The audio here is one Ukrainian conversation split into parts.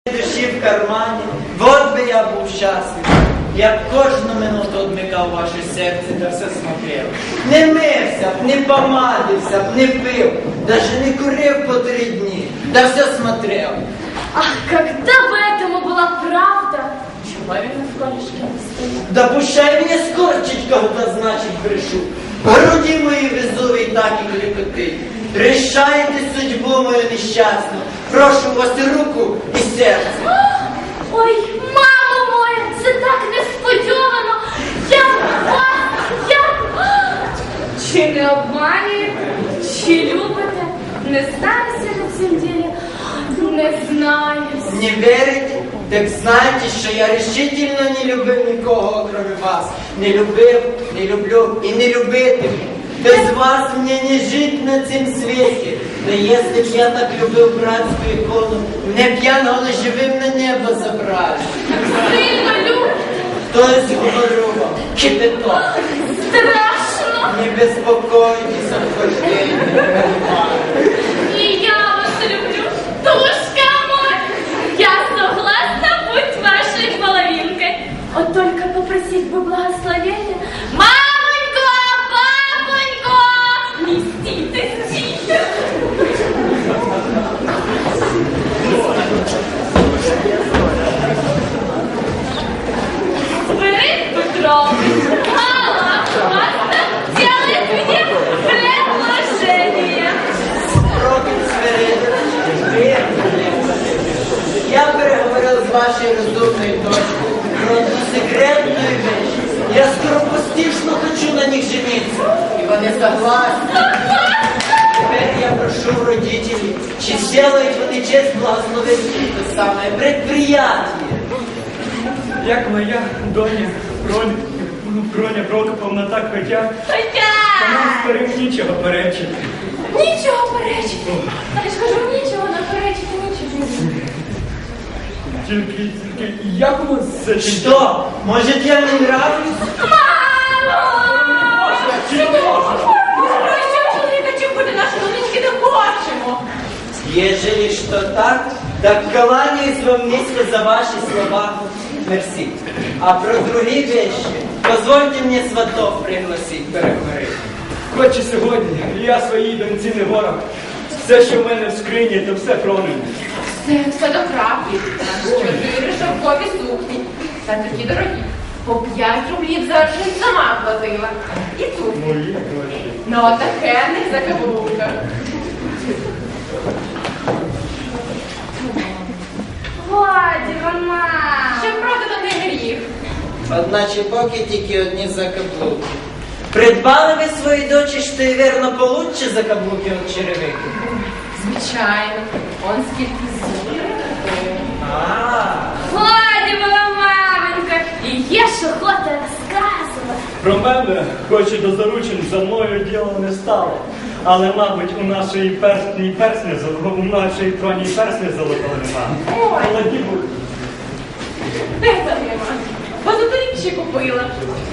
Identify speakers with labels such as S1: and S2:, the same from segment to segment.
S1: Душі в кармані, вот би я був щасливий. Я б кожну минуту одмикав ваше серце та все смотрел. Не мився б, не помадився б, не пив, даже не курив по 3 дні, да все смотрел.
S2: Ах, когда бы этому была правда, чего я в колешке не стою?
S1: Да пущай мені скорчить, когда значить брешу. Груді мої везуві так і клікотить. Рішайте судьбу мою нещасну. Прошу вас і руку, і серце.
S2: Ой, мамо моя, це так несподівано. Чи не обманюєте, чи любите? Не знаюся на цьому ділі, не знаюся.
S1: Не верите? Так знайте, що я решительно не любив нікого, окроме вас. Не любив, не люблю і не любитиму. Без вас мне не жить на цім світі. Да если б я так любив братську ікону, мене б янголи живим на небо забрали.
S2: Сильно любите?
S1: Хтось говорю вам, кипяток.
S2: Страшно.
S1: Не безпокойтесь, обхождення.
S2: И я вас люблю, душка мой. Я согласна быть вашей половинкой. Вот только попросить бы благословения. Мамонька, папонька, мститесь, тихо. Свирид Петрович, Алла, делает мне предложение.
S1: Робить Свирид. Я переговорив з вашою розумною дочкою про одну секретну вещь. Я скоропостижно хочу на них жениться. И вони согласны. Теперь я прошу родителей, чи сделают вони честь благословить это самое предприятие.
S3: Як моя доня Броня Прокоповна так хотя, то нам старим нічого перечити.
S2: Нічого перечити. Я ж кажу, нічого не перечити, нічого.
S3: Тільки як у вас за чим?
S1: Что? Может, я не нравлюсь?
S2: Мамо!
S3: Чи можна?
S2: Що чоловіка чим буде наші донечки не хочемо?
S1: Ежели что так, так кланяюсь вам низко за ваши слова. Мерси. А про другие вещи позвольте мне сватов пригласить переговорити.
S3: Хоч і сьогодні я своїй доньці не ворог. Все, що в мене в скрині, то все проним.
S4: Все до краплі. 4 шовкові сукні. Та такі дорогі. По 5 рублів за аршин сама платила. І туфлі.
S3: Мої гроші.
S4: На отакенних закаблуках.
S2: Годі, мама!
S4: Щоб продано не гріх.
S1: Одначе поки тільки одні закаблуки. Придбали ви своїй дочі, що й вірно получше закаблуки від черевики?
S4: Звичайно. Он скільки зубів.
S2: Годі, моя маменька! І є ж охота розказувати.
S3: Про мене, хоч і до заручин, за мною діло не стало. Але, мабуть, у нашої троні персні золотого нема.
S4: Ой.
S3: Молоді будуть.
S4: Де там нема? Позаторік ще купила.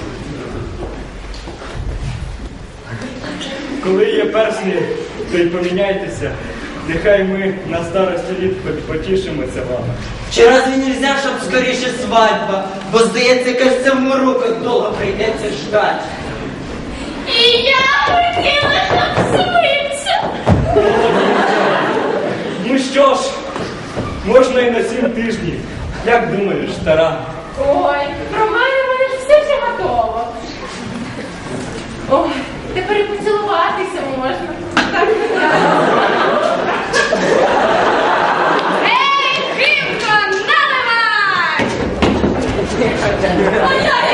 S3: Коли є персні, то й поміняйтеся. Нехай ми на старості літ хоч потішимося вами.
S1: Чи разве нельзя, щоб скоріше свадьба? Бо, здається, кажеться, в мороках довго прийдеться ждать.
S2: І я хотіла, щоб швидше.
S3: Ну що ж, можна і на 7 тижнів. Як думаєш, стара?
S4: Ой, про мене ж все вже готово. Ой, тепер і поцілуватися можна. Так,
S2: Ей, Химко, наливай!
S4: Ой-ой,